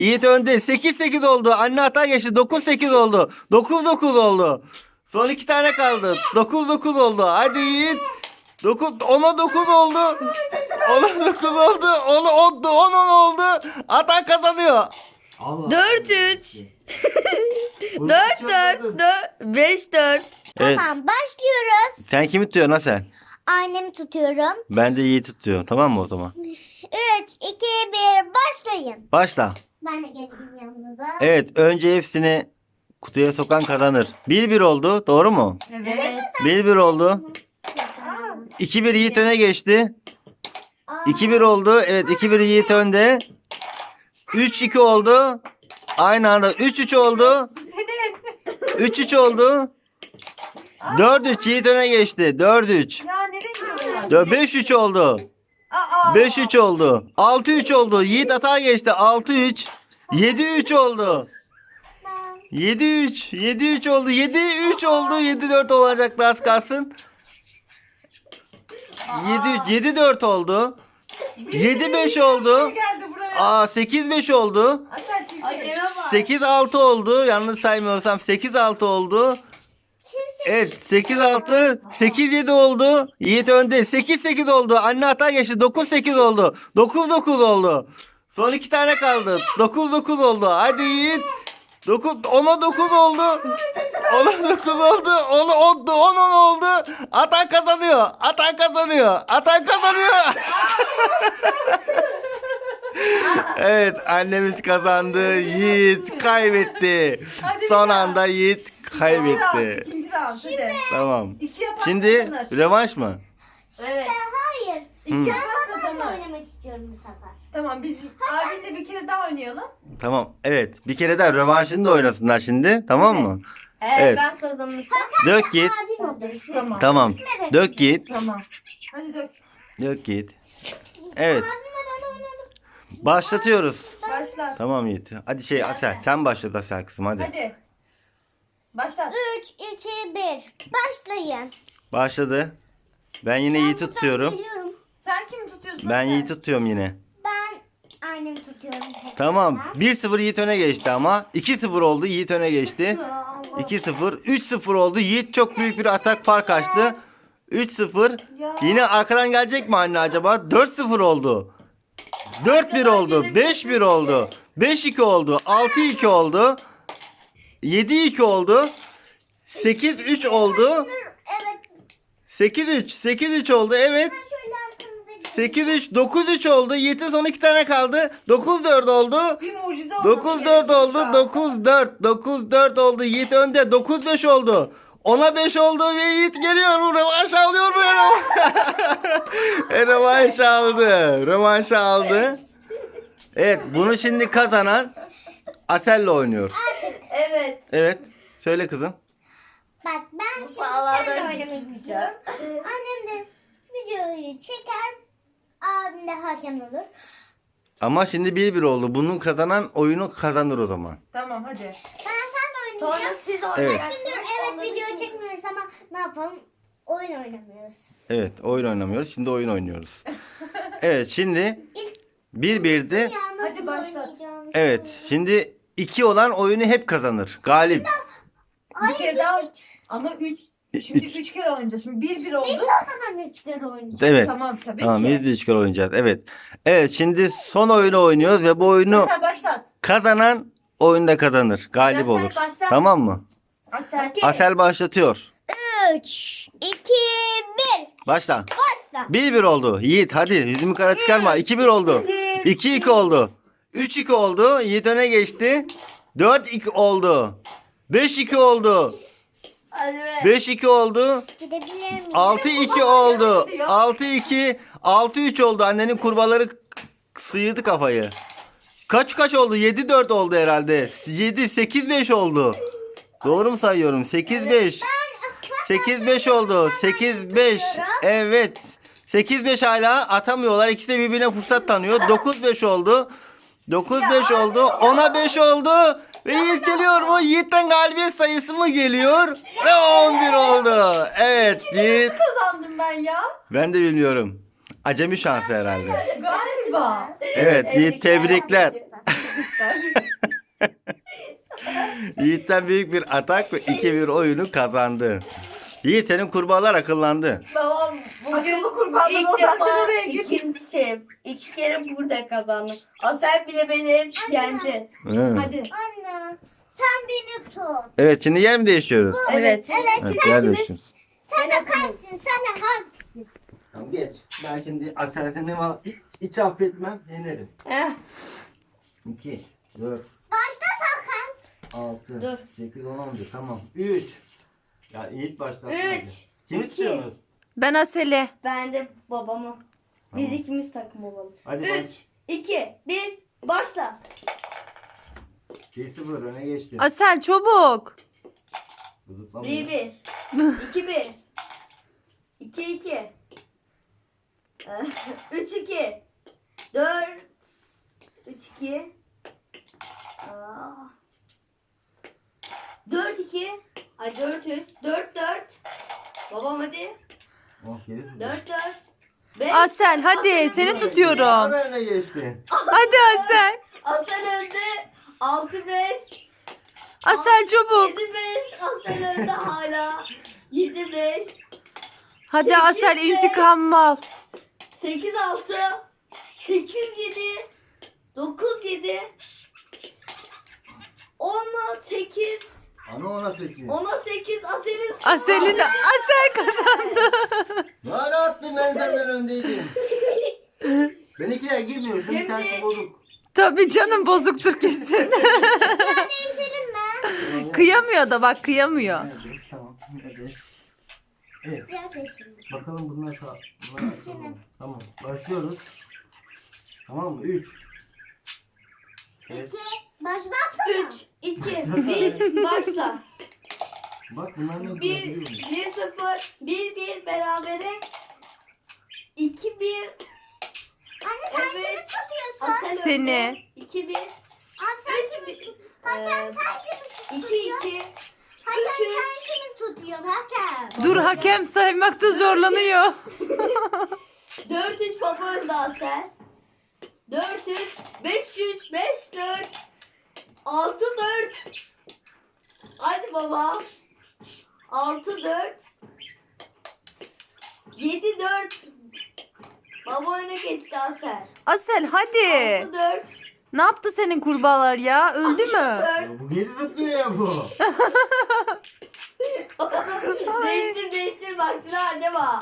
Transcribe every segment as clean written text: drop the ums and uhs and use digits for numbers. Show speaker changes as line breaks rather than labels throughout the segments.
Yiğit önde. 8-8 oldu. Anne hata geçti. 9-8 oldu. 9-9 oldu. Son 2 tane kaldı. 9-9 oldu. Hadi Yiğit. 10'a 9 oldu. 10'a 9 oldu. 10 oldu. Atan kazanıyor.
Allah
4-3. 4-4. 5-4.
Evet.
Tamam başlıyoruz.
Sen kimi tutuyorsun Asel?
Annemi tutuyorum.
Ben de Yiğit'i tutuyorum. Tamam mı o zaman?
3, 2, 1 başlayın.
Başla.
Ben de geleyim yanınıza.
Evet. Önce hepsini kutuya sokan kazanır. 1-1 oldu. Doğru mu?
Evet.
1-1 oldu. 2-1 Yiğit öne geçti. 2-1 oldu. Evet 2-1 Yiğit önde. 3-2 oldu. Aynı anda 3-3 oldu. 3-3 oldu. 4-3 Yiğit öne geçti. 4-3.
Ya nereye gidiyorsun?
5-3 oldu. 5-3 oldu. 6-3 oldu. Yiğit hata geçti. 6-3. 7-3 oldu. 7-3. 7-3 oldu. 7-3 oldu. 7-4 olacaktı az kalsın. 7-3. 7-4 oldu. 7-5 oldu.
Geldi buraya.
8-5 oldu.
Asel çekil.
8-6 oldu. Yanlış saymıyorsam 8-6 oldu. Evet 8-6. 8-7 oldu. Yiğit önde. 8-8 oldu. Anne hata geçti. 9-8 oldu. 9-9 oldu. Son 2 tane kaldı. 9-9 oldu. Hadi Yiğit. 10'a 9 oldu. 10'a 9 oldu. 10 oldu. Atan kazanıyor. Atan kazanıyor. Atan kazanıyor. Evet annemiz kazandı. Yiğit kaybetti. Son anda Yiğit kaybetti.
İkinci round hadi.
Tamam.
İki yapan
Şimdi
kazanır.
rövanş mı?
Evet.
Hayır.
İki
Hı.
yapan
Ben de
kazanır.
oynamak istiyorum bu sefer.
Tamam biz abinle bir kere daha oynayalım.
Tamam. Evet. Bir kere daha rövanşını da oynasınlar şimdi. Tamam mı? Evet.
Ben kazanırsam.
Dök Yiğit.
Adil olur.
Tamam.
Tamam. Dök Yiğit.
Tamam. Hadi dök.
Dök Yiğit. Evet.
Abimle ben oynadım.
Başlatıyoruz.
Başla.
Tamam Yiğit. Hadi şey Asel. Sen başlat Asel kızım hadi.
Hadi. Başla.
3, 2, 1 başlayın.
Başladı. Ben yine Yiğit'i tutuyorum.
Geliyorum.
Sen kimi tutuyorsun?
Ben
Asel?
Yiğit'i tutuyorum yine.
Ben annemi tutuyorum.
Tamam. 1-0 Yiğit öne geçti ama. 2-0 oldu. Yiğit öne geçti. 2-0. 3-0 oldu. Yiğit çok büyük bir atak fark açtı. 3-0.
Ya.
Yine arkadan gelecek mi anne acaba? 4-0 oldu. 4-1 oldu. 5-1 oldu. 5-2 oldu. 6-2 oldu. 7-2 oldu. 8-3 oldu.
Evet.
8-3. 8-3 oldu. Evet.
Şöyle arkanıza gidin.
8-3. 9-3 oldu. Yiğit'in son 2 tane kaldı. 9-4 oldu.
Bir mucize olması
9-4
gerekiyor
oldu.
şu an.
9-4. 9-4 oldu. Yiğit önde. 9-5 oldu. 10'a 5 oldu ve Yiğit geliyor mu? Rövanş alıyor mu? Rövanş aldı. Rövanş aldı. Evet bunu şimdi kazanan Asel'le oynuyor.
Evet.
Evet. Söyle kızım.
Bak ben şimdi
Vallahi
seninle
ben
oynamak istiyorum. Annem de videoyu çeker. Abim de hakem olur.
Ama şimdi 1-1 oldu. Bunun kazanan oyunu kazanır o zaman.
Tamam hadi.
Ben sen de
Sonra
oynayacaksın.
siz
Evet.
oynayacaksınız.
Şimdi evet video çekmiyoruz ama ne yapalım? Oyun oynamıyoruz.
Evet oyun oynamıyoruz. Şimdi oyun oynuyoruz. Evet şimdi 1-1'di.
Ya nasıl
Hadi başlat.
oynayacağım?
Evet şimdi 2 olan oyunu hep kazanır. Galip.
Bir kere daha ama 3 şimdi 3 kere oynayacağız. Şimdi 1-1 oldu.
O zaman 3 kere oynayacağız.
Evet.
Tamam tabii
Tamam
ki.
biz de 3 kere oynayacağız. Evet. Evet şimdi son oyunu oynuyoruz ve bu oyunu
Sen başlat.
kazanan oyunda kazanır. Galip
Asel
olur.
başla.
Tamam mı?
Asel.
Asel başlatıyor.
3, 2, 1
Başla.
başla.
1-1 oldu. Yiğit hadi yüzümü kara çıkarma. 2-1 oldu. 2-2 oldu. 3-2 oldu. Yiğit öne geçti. 4-2 oldu. 5-2 oldu.
Hadi be.
5-2 oldu.
Gidebilir miyim?
6-2 oldu. 6-2. 6-3 oldu. Annenin kurbaları sıyırdı kafayı. Kaç oldu? 7-4 oldu herhalde. 7-8-5 oldu. Doğru mu sayıyorum? 8-5. 8-5 oldu. 8-5. Evet. 8-5 hala atamıyorlar. İkisi de birbirine fırsat tanıyor. 9-5 oldu. 9-5 oldu. 10'a 5 oldu. Ve Yiğit geliyor mu? Yiğit'ten galibiyet sayısı mı geliyor? Ve 11 oldu. Evet Yiğit.
Kazandım ben ya.
Ben de bilmiyorum. Acemi şansı herhalde.
Galiba.
Evet Yiğit tebrikler. Yiğit'ten büyük bir atak ve 2-1 oyunu kazandı. Yiğit, senin kurbağalar akıllandı.
Babam bugün
Akıllı kurbanlar
ilk
oradan
defa
sen oraya git.
ikinci 2 kere burada kazandım. Asel bile beni hep yendi.
Hı.
Hadi.
Anne sen beni tut.
Evet, şimdi yer mi değişiyoruz?
Evet.
Evet, yer değişiyoruz.
Sen de kalsın. Sen de hangisi?
Tamam, geç. Ben şimdi Asel'sini hiç affetmem, yenerim.
Eh,
2, 4,
Başta sakın.
6,
Dur.
8, 10, 11. Tamam. 3. Ya Yiğit başlasın.
Üç,
hadi. Kimi
iki.
tutuyorsunuz?
Ben Asel'e.
ben de babamı. Biz
Tamam.
ikimiz takım olalım.
Hadi
3, 2, 1, başla.
1-0 öne geçti.
Asel çabuk.
Zıplamıyor.
1, 1. 2, 1. 2, 2. 3, 2. 4. 3, 2. 4, 2. Ay 4, 3. 4, 4. Babam hadi.
Oh, geri tutuyor.
4, 4. 5.
Asel hadi seni tutuyorum.
Ara öne geçti.
Hadi Asel.
Asel önde. 6, 5.
Asel çabuk.
7, 5. Asel önde hala. 7, 5.
Hadi Asel intikamımı al.
8, 6. 8, 7. 9, 7. 10, 8.
Ana ona 8.
10, 8. Asel'in sonu.
Asel kazandı.
Ne ara attın, ben senden öndeydim. Benimkiler girmiyor. Şimdi
Şimdi-
tanesi bozuk.
Tabii canım, bozuktur kesin.
Değişelim mi?
Kıyamıyor da bak, kıyamıyor.
Evet, tamam. Evet. Evet.
Biraz değişelim.
Bakalım bunlar tamam. Başlıyoruz. Tamam mı? 3. Evet.
İki. Başlatsana.
3, 2, 1. Başla.
Bak bunlar ne güzel
1,
biliyor musun?
1, 0. 1, 1 berabere. 2, 1.
Anne sen kimi
Evet.
tutuyorsun?
Asel
Seni.
önde. 2, 1.
Abi sen kimi tutuyorsun? Hakem sen kimi
2,
tutuyorsun?
2.
Hakem
3, 3.
sen kimi tutuyorsun hakem?
Dur, hakem saymakta zorlanıyor.
4, 3 baba önde Asel. 4, 3. 5, 3. 5, 4. 6, 4. Hadi baba. 6, 4. 7, 4. Baba öne geçti Asel.
Asel hadi.
6, 4.
Ne yaptı senin kurbağalar ya? Öldü mü?
4.
Ya bu geri zıplıyor ya bu.
Değiştir bak sıra acaba.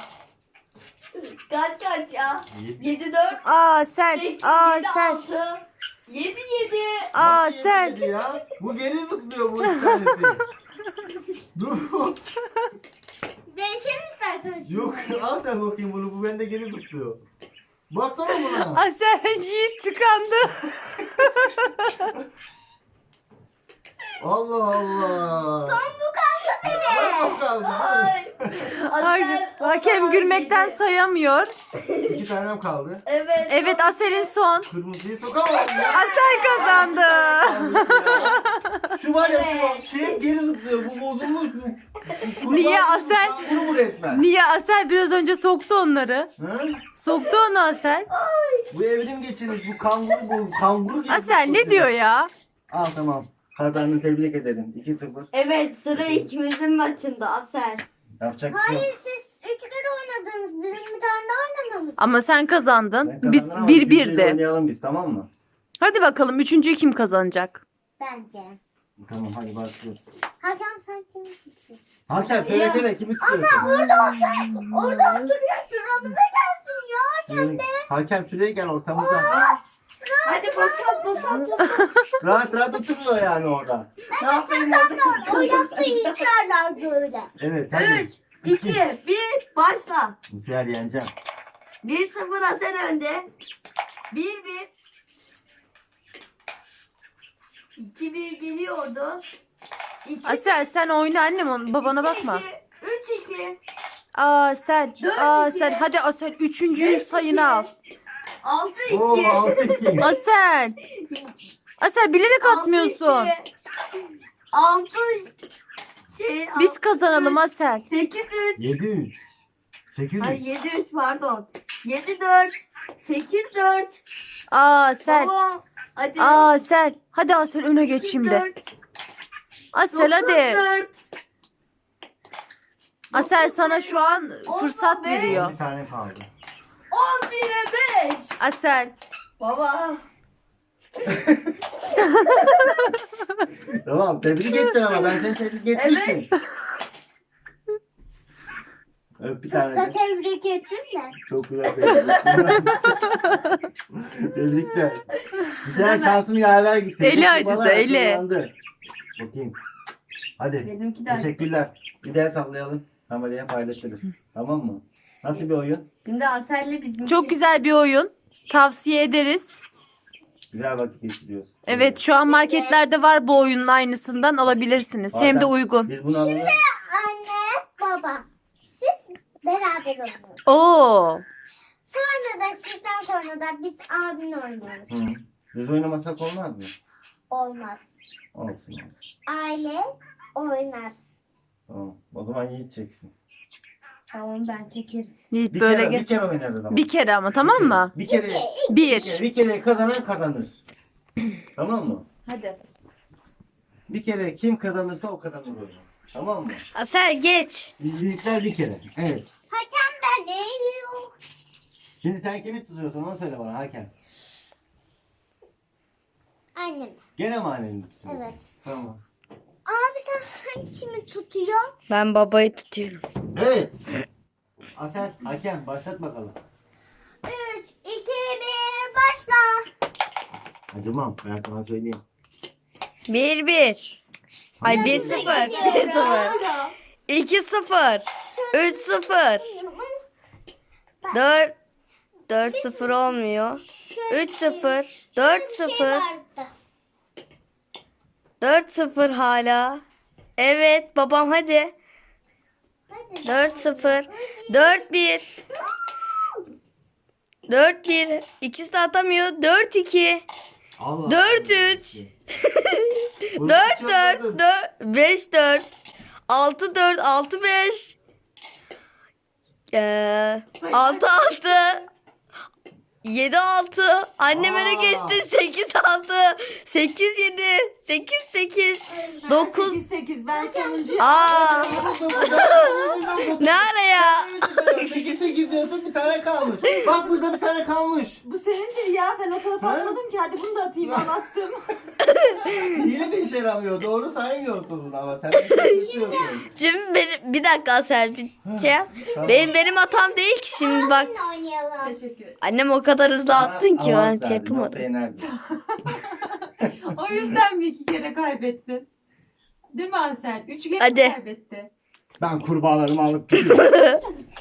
Kaç ya? 7, 4.
Asel.
8, 7,
Asel.
6. 7, 7.
Asel.
Geri ya. Bu geri zıplıyor bu üç tanesi. Dur.
Değişelim istersen.
Yok, al sen bakayım bunu. Bu bende geri zıplıyor. Baksana buna.
Asel, Yiğit tıkandı.
Allah Allah.
Bu kaldı benim.
Bak bakalım.
Ay.
Ay,
Asel,
hakem
Asel
gülmekten
yedi.
sayamıyor.
2 tanem kaldı.
Evet.
Evet, Asel'in son.
Kırmızıyı sokamadım ya.
Asel kazandı.
Şu var ya
Evet.
şu hep geri zıplıyor. Bu bozulmuş bu. Kurban
Niye
bu,
Asel?
kanguru bu resmen.
Niye? Asel biraz önce soktu onları.
Hı?
Soktu onu Asel.
Bu evrim geçirmiş. Bu kanguru bu. Kanguru gibi.
Asel ne diyor ya?
Al tamam. Kazandın, tebrik ederim. 2-0.
Evet sıra ikimizin maçında Asel.
Yapacak bir şey yok.
Hayır siz 3 kere oynadınız. Bizim bir tane daha oynamamız.
Ama sen kazandın.
Ben
Biz
kazandım ama üçüncüyle
1-1'di.
Oynayalım biz, tamam mı?
Hadi bakalım, üçüncüyü kim kazanacak?
Bence.
Tamam, hadi başlıyoruz.
Hakem sen kimi tutuyorsun?
Hakem söylesene, kimi tutuyorsun?
Orada oturuyor. Şuramıza gelsin ya.
Şimdi Hakem şuraya gel, ortamıza.
Hadi boşalt.
Rahat rahat oturuyor yani orada.
Ne yapayım
O yaptığı içerler böyle.
Evet, hadi.
3, 2, 1 başla.
Bu sefer yeneceğim.
1-0 Asel önde. 1-1. 2-1 geliyordu. 2,
Asel sen oyna annem, babana bakma.
3-2.
Asel.
Dört,
Asel.
iki.
Hadi Asel, üçüncüyü sayını al.
6-2.
Oo, 6-2.
Asel. Asel bilerek atmıyorsun.
6
Biz kazanalım Asel.
8-3.
7-3. 8-3.
Hayır 7-3 pardon. 7-4. 8-4.
Asel.
Tamam. Hadi.
Asel. Hadi Asel öne geç şimdi.
4,
Asel hadi.
4.
Asel sana şu an fırsat
beş.
veriyor.
Bir tane kaldı.
11'e 5.
Asel.
Baba.
Tamam tebrik edeceksin ama ben seni tebrik etmiştim. Öp bir tane
Da
de.
tebrik ettim de.
Çok güzel tebrikler. Güzel şansını yaver gitti.
Eli
Bu
acıdı,
bana
eli.
akıllandı. Bakayım. Hadi.
Benimki de.
Teşekkürler. Bir daha sallayalım. Kameraya paylaşırız. Tamam mı? Nasıl bir oyun?
Şimdi Asel'le bizim.
Çok güzel bir oyun. Tavsiye ederiz.
Güzel vakit geçiriyoruz.
Evet şu an marketlerde var bu oyunun aynısından alabilirsiniz. Hem de
Zaten
uygun.
Biz bunu alalım.
Anne, baba. Siz beraber oynuyoruz.
Oo.
Sonra da sizden sonra da biz abimle oynuyoruz.
Hı. Biz oynamasak olmaz mı?
Olmaz.
Olsun olsun.
Aile oynar.
Tamam. O zaman Yiğit çeksin.
Tamam ben çekerim.
Yiğit
Bir
böyle
kere,
gel.
bir kere oynarız ama.
Bir kere ama tamam mı?
Bir kere.
Bir.
Bir kere kazanan kazanır. Tamam mı?
Hadi.
Bir kere kim kazanırsa o kazanır oyunu. Tamam mı?
Asel geç.
Büyükler bir kere. Evet.
Hakem benim.
Şimdi sen kimi tutuyorsun onu söyle bana Hakan.
Annem.
Gene mi anneni tutuyorsun?
Evet.
Tamam.
Abi sen kimi tutuyor?
Ben babayı tutuyorum.
Evet. Asel, Hakan başlat bakalım.
3, 2, 1 başla.
Acımam ben sana söyleyeyim.
1-1. Ay 1-0. 1-0. 2-0. 3-0. 4-0 olmuyor. 3-0. 4-0. 4-0 hala. Evet babam hadi. 4-0. 4-1. 4-1. İkisi de atamıyor. 4-2.
Allah
4-3. 4-4. 5-4. 6-4. 6-5. 6-6. 7-6. Annem öne geçti. 8-6. 8-7. 8-8. 9.
8 ben sonuncuyum.
Aa, ne ara ya?
8 diyorsun bir tane kalmış. Bak burada bir tane kalmış.
Bu senindir ya. Ben o tarafa
Ha?
atmadım ki. Hadi bunu da atayım. Anlattım.
Yine de işe yaramıyor. Doğru saymıyorsun ama sen bir şey tutuyorsun.
Şimdi benim, bir dakika sen bir şey yap.
Tamam.
Benim hatam değil ki şimdi bak.
Benimle oynayalım.
Teşekkür ederim.
Annem o kadar hızlı attın ki
Avans
ben
verdim,
şey
yoksa
yapamadım.
yenerdim.
O yüzden mi 2 kere kaybettin? Değil mi Ansel? 3 kere
Hadi.
kaybetti.
Ben kurbağalarımı alıp gidiyorum.